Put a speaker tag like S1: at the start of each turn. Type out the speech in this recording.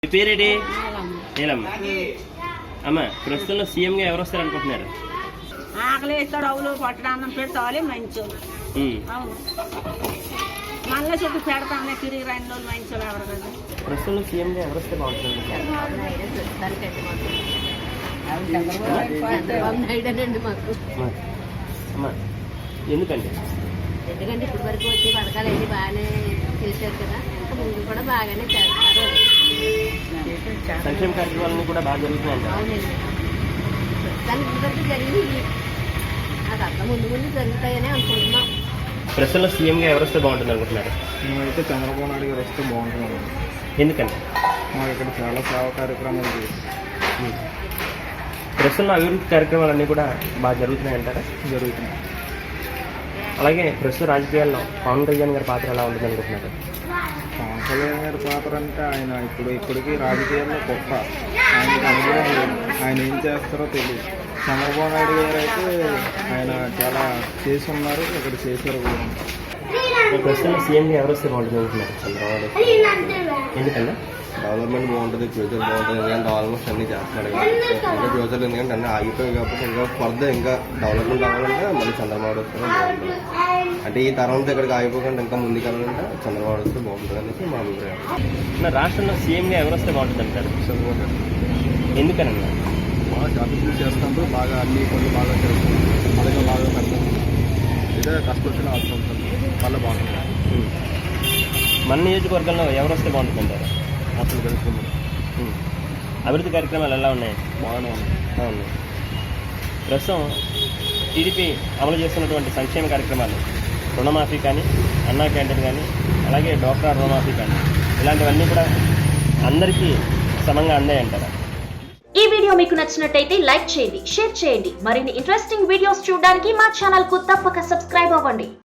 S1: మీ పేరేంటి? నీలమ్మ. అమ్మ, ప్రస్తుతంలో సీఎంగా ఎవరు వస్తారు అనుకుంటున్నారు?
S2: ఆకలి ఇస్తాడు, అవులు పట్టడాన్నం పెడతావాలి మంచోళ్ళు. అవును, మళ్ళీ చెప్పి పెడతానే తిరిగి 2 రోజులు మంచోళ్ళు ఎవరు కదా.
S1: ప్రస్తుతంలో సీఎంగా ఎవరు వస్తే బాగుంటుంది? అమ్మ, ఎందుకండి?
S3: ఎందుకంటే ఇప్పటి వరకు వచ్చే పథకాలు అన్నీ బాగానే చేశారు కదా, ఇంకా ముందు కూడా బాగానే చేస్తారు.
S1: సంక్షేమ కార్యక్రమాలన్నీ కూడా బాగా జరుగుతున్నాయి.
S3: అవునండి, ప్రస్తుతానికి ఇప్పటి వరకు జరిగింది, అది అంత ముందు ముందు జరుగుతాయని అనుకుంటున్నాం.
S1: ప్రస్తుతంలో సీఎంగా ఎవరు వస్తే బాగుంటుంది అనుకుంటున్నారు?
S4: మేమైతే చంద్రబాబు నాయుడు గారు వస్తే బాగుంటున్నాము.
S1: ఎందుకండి?
S4: మాకు ఇక్కడ చాలా సేవా కార్యక్రమాలు చేస్తాం.
S1: ప్రస్తుతంలో అభివృద్ధి కార్యక్రమాలన్నీ కూడా బాగా జరుగుతున్నాయి అంటారా?
S4: జరుగుతున్నాయి.
S1: అలాగే ప్రస్తుత రాజకీయాల్లో పవన్ కళ్యాణ్ గారి పాత్ర ఎలా ఉంటుంది అనుకుంటున్నారు?
S4: పవన్ కళ్యాణ్ గారి పాత్ర అంటే ఆయన ఇప్పటికీ రాజకీయాల్లో గొప్ప, ఆయనకి అనుభవం లేదు, ఆయన ఏం చేస్తారో తెలియదు. చంద్రబాబు నాయుడు గారు అయితే ఆయన చాలా చేసి ఉన్నారు, ఇక్కడ చేశారు కూడా.
S1: ప్రస్తుతంలో సీఎంగా ఎవరు వస్తే బాగుంటుంది అనుకుంటున్నారు? చంద్రబాబు. ఎందుకన్నా?
S5: డెవలప్మెంట్ బాగుంటుంది, ఫ్యూచర్ బాగుంటుంది. ఎందుకంటే ఆల్మోస్ట్ అన్ని చేస్తున్నాడు ఇంకా ఫ్యూచర్, ఎందుకంటే అన్నీ ఆగిపోయి కాబట్టి ఇంకా ఫర్దర్ ఇంకా డెవలప్మెంట్ అవ్వాలంటే మళ్ళీ చంద్రబాబు వస్తే బాగుంటుంది. అంటే ఈ తరంతో ఇక్కడికి ఆగిపోకుండా ఇంకా ముందుకు వెళ్ళాలంటే చంద్రబాబు వస్తే బాగుంటుంది అనేసి మా అభిప్రాయం.
S1: రాష్ట్రంలో సీఎంగా ఎవరు వస్తే బాగుంటుంది అంటారు?
S4: చంద్రబాబు
S1: ఎందుకనన్నా?
S4: బాగా అభివృద్ధి చేస్తుంటారు, బాగా అన్ని పనులు బాగా చేస్తారు, అలాగే బాగా పెడతారు. ఇదే కష్టపడిన అవసరం ఉంటుంది, మళ్ళీ బాగుంటుంది.
S1: మన నియోజకవర్గంలో ఎవరు వస్తే బాగుంటుంది అంటారు?
S4: అసలు తెలుసుకుంటాం.
S1: అభివృద్ధి కార్యక్రమాలు ఎలా ఉన్నాయి?
S4: బాగానే ఉంది.
S1: అవును. ప్రస్తుతం టీడీపీ అమలు చేస్తున్నటువంటి సంక్షేమ కార్యక్రమాలు, రుణమాఫీ కానీ, అన్నా క్యాంటీన్ కానీ, అలాగే డ్వాక్రా రుణమాఫీ కానీ, ఇలాంటివన్నీ కూడా అందరికీ సమంగా అందాయంటారా?
S6: ఈ వీడియో మీకు నచ్చినట్టయితే లైక్ చేయండి, షేర్ చేయండి. మరిన్ని ఇంట్రెస్టింగ్ వీడియోస్ చూడడానికి మా ఛానల్ కు తప్పక సబ్స్క్రైబ్ అవ్వండి.